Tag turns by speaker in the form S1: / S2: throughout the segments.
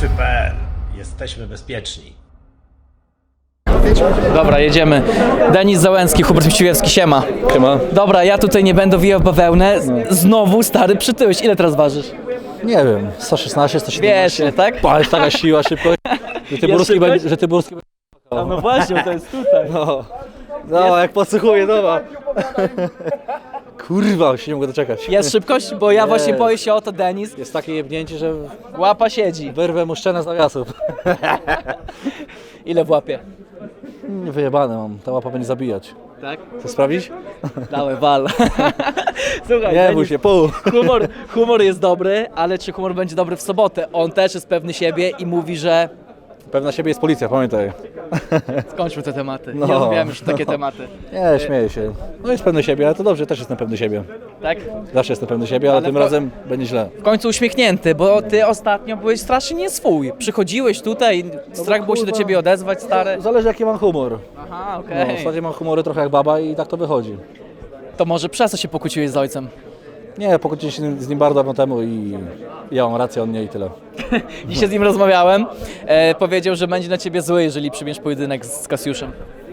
S1: Wszyscy.pl. Jesteśmy bezpieczni.
S2: Dobra, jedziemy. Denis Załęcki, Hubert Mściłewski, siema.
S3: Siema.
S2: Dobra, ja tutaj nie będę wijał w bawełnę. Znowu, stary, przytyłeś. Ile teraz ważysz?
S3: Nie wiem, 116, 117.
S2: Wiesz, tak?
S3: Pa, jest taka siła, szybko, że Tyburski będzie...
S2: No właśnie, to jest tutaj.
S3: No, jak podsłuchuję, dobra. Kurwa, się nie mogę doczekać.
S2: Jest szybkość? Bo ja właśnie boję się o to, Denis.
S3: Jest takie jebnięcie, że
S2: Łapa siedzi.
S3: wyrwę mu szczenę z nawiasów.
S2: Ile w łapie?
S3: Wyjebane mam, ta łapa będzie zabijać.
S2: Tak?
S3: Chcesz sprawdzić?
S2: Dałem wal. Słuchaj,
S3: Nie
S2: Denis,
S3: bój się, pół.
S2: humor jest dobry, ale czy humor będzie dobry w sobotę? On też jest pewny siebie i mówi, że...
S3: Pewna siebie jest policja, pamiętaj.
S2: Skończmy te tematy.
S3: No.
S2: Nie rozmawiamy już takie tematy.
S3: Nie, śmieję się. No jest pewny siebie, ale to dobrze, też jestem pewny siebie.
S2: Tak?
S3: Zawsze jestem pewny siebie, ale tym
S2: w-
S3: razem będzie źle.
S2: W końcu uśmiechnięty, bo ty ostatnio byłeś strasznie nie swój. Przychodziłeś tutaj, strach było się do
S3: kurwa.
S2: ciebie odezwać, stary.
S3: Zależy jaki mam humor.
S2: Aha,
S3: No,
S2: okej.
S3: w zasadzie mam humory trochę jak baba i tak to wychodzi.
S2: To może przez co się pokłóciłeś z ojcem?
S3: Nie, pokłóciłem się z nim bardzo dawno temu i ja mam rację, on nie i tyle.
S2: Dzisiaj z nim rozmawiałem. Powiedział, że będzie na ciebie zły, jeżeli przyjmiesz pojedynek z Kasiuszem.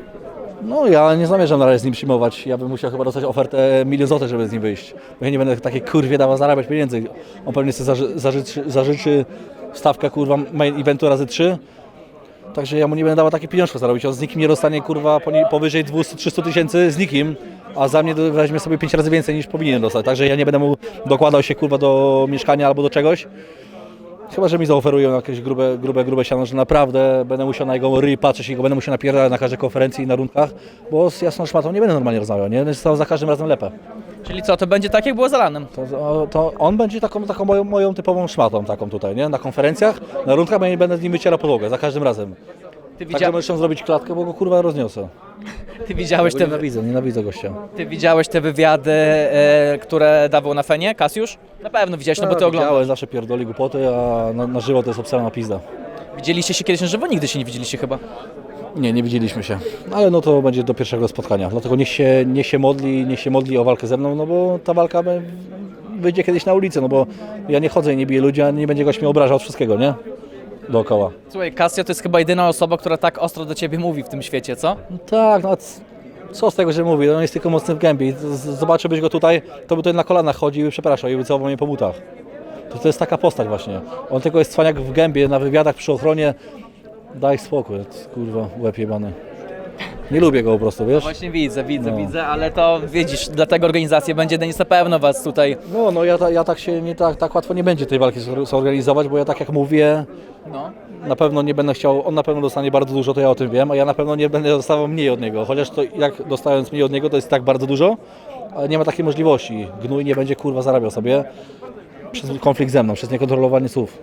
S3: No ja nie zamierzam na razie z nim przyjmować. Ja bym musiał chyba dostać ofertę 1 000 000 złotych, żeby z nim wyjść. Bo ja nie będę takiej kurwie dawał zarabiać pieniędzy. On pewnie sobie zażyczy stawkę kurwa main eventu razy 3. Także ja mu nie będę dawał takich pieniążków zarobić. On z nikim nie dostanie kurwa powyżej 200-300 tysięcy z nikim, a za mnie weźmie sobie 5 razy więcej niż powinien dostać. Także ja nie będę mu dokładał się kurwa do mieszkania albo do czegoś. Chyba że mi zaoferują jakieś grube siano, że naprawdę będę musiał na jego ryj patrzeć i go będę musiał napierdalać na każdej konferencji i na rundkach, bo z jasną szmatą nie będę normalnie rozmawiał, nie? Będę stał za każdym razem lepę.
S2: Czyli co, to będzie tak jak było z Alanem?
S3: To on będzie taką moją typową szmatą taką tutaj, nie? Na konferencjach, na rundkach ja nie będę z nim wycierał podłogę, za każdym razem.
S2: Ty,
S3: Także możesz zrobić klatkę, bo go kurwa rozniosę.
S2: ty, widziałeś te,
S3: Nienawidzę gościa.
S2: ty widziałeś te wywiady, które dawał na Fenie, Kasiusz? Na pewno widziałeś, no bo ty oglądasz.
S3: Widziałem, zawsze pierdoli głupoty, a na żywo to jest obsrana pizda.
S2: Widzieliście się kiedyś na żywo? Nigdy się nie widzieliście chyba.
S3: Nie widzieliśmy się, ale no to będzie do pierwszego spotkania, dlatego niech się modli o walkę ze mną, no bo ta walka wyjdzie kiedyś na ulicę, no bo ja nie chodzę i nie biję ludzi, a nie będzie goś mnie obrażał od wszystkiego, nie? Dookoła.
S2: Słuchaj, Kasio to jest chyba jedyna osoba, która tak ostro do ciebie mówi w tym świecie, co?
S3: No tak, no a co z tego, że mówi, on jest tylko mocny w gębie i zobaczyłbyś go tutaj, to by tutaj na kolanach chodził i przepraszał i by całował mnie po butach. To jest taka postać właśnie, on tylko jest cwaniak w gębie, na wywiadach przy ochronie, daj spokój, kurwa, łeb jebany. Nie lubię go po prostu, wiesz?
S2: Właśnie widzę, ale to widzisz, dlatego organizacja będzie Denis na pewno was tutaj.
S3: No ja tak się tak łatwo nie będzie tej walki zorganizować, bo ja tak jak mówię,
S2: No.
S3: na pewno nie będę chciał, on na pewno dostanie bardzo dużo, to ja o tym wiem, a ja na pewno nie będę dostawał mniej od niego, chociaż to jak dostając mniej od niego to jest tak bardzo dużo, ale nie ma takiej możliwości. Gnój nie będzie kurwa zarabiał sobie przez konflikt ze mną, przez niekontrolowanie słów.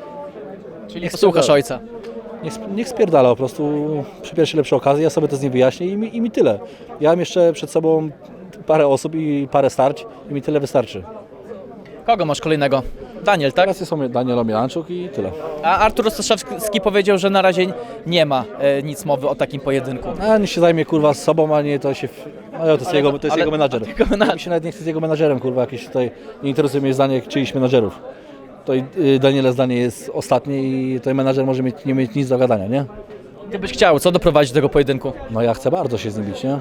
S2: Czyli posłuchasz ojca.
S3: Niech spierdala po prostu przy pierwszej lepszej okazji, ja sobie to z nim wyjaśnię i mi tyle. Ja mam jeszcze przed sobą parę osób i parę starć i mi tyle wystarczy.
S2: Kogo masz kolejnego? Daniel, tak?
S3: Teraz są Daniel Omianczuk i tyle.
S2: A Artur Ostaszewski powiedział, że na razie nie ma nic mowy o takim pojedynku.
S3: A niech się zajmie kurwa z sobą, a nie to się... to jest jego menadżer.
S2: Tylko menadżer.
S3: Mi się nawet nie chce z jego menadżerem, kurwa, jakieś tutaj... Nie interesuje mnie zdanie czyichś menadżerów. To Daniela zdanie jest ostatnie i tutaj menadżer może nie mieć nic do gadania, nie?
S2: Ty byś chciał, co doprowadzić do tego pojedynku?
S3: No ja chcę bardzo się z nim bić, nie?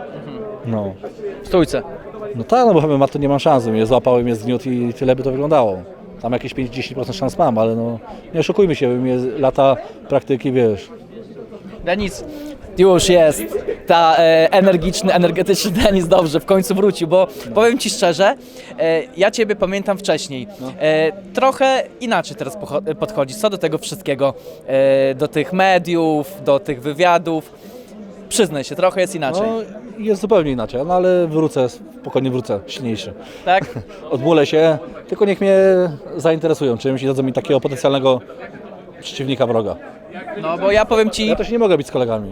S3: No.
S2: W stójce.
S3: No tak, no bo chyba to nie mam szans, mnie złapał i mnie zgniótł i tyle by to wyglądało. Tam jakieś 5-10% szans mam, ale no nie oszukujmy się, mnie lata praktyki, wiesz.
S2: Denis, już jest. Ta energetyczny Denis dobrze, w końcu wrócił, bo powiem Ci szczerze, ja Ciebie pamiętam wcześniej. Trochę inaczej teraz podchodzisz, co do tego wszystkiego, do tych mediów, do tych wywiadów. Przyznaj się, trochę jest inaczej.
S3: No jest zupełnie inaczej, no ale spokojnie wrócę, silniejszy.
S2: Tak?
S3: Odmulę się, tylko niech mnie zainteresują czymś i dadzą mi takiego potencjalnego przeciwnika, wroga.
S2: No bo ja powiem Ci...
S3: Ja też nie mogę być z kolegami,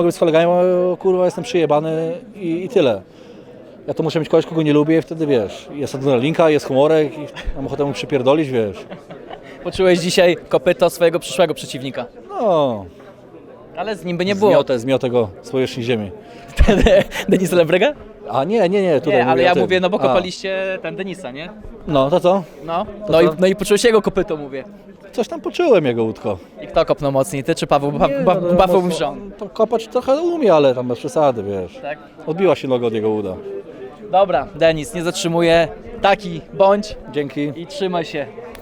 S3: bo kurwa jestem przyjebany i tyle. Ja to muszę mieć kogoś, kogo nie lubię i wtedy wiesz, jest adrenalinka, jest humorek i mam ochotę mu przypierdolić, wiesz.
S2: Poczułeś dzisiaj kopyto swojego przyszłego przeciwnika.
S3: No,
S2: Ale z nim by nie było.
S3: zmiotę go z powierzchni ziemi.
S2: Denis Lebrega?
S3: A nie, tutaj
S2: Nie, ale
S3: mówię
S2: ja
S3: o tym.
S2: mówię, no bo
S3: A,
S2: kopaliście ten Denisa, nie?
S3: No, to co?
S2: No,
S3: To
S2: no,
S3: co?
S2: no i poczułeś jego kopyto, mówię.
S3: Coś tam poczułem jego łódko.
S2: I kto kopnął mocniej, ty czy Paweł?
S3: no,
S2: Paweł
S3: no,
S2: Mrzon.
S3: to kopać trochę umie, ale tam bez przesady, wiesz.
S2: Tak?
S3: Odbiła się noga od jego uda.
S2: Dobra, Denis, nie zatrzymuję. Taki bądź
S3: Dzięki.
S2: i trzymaj się.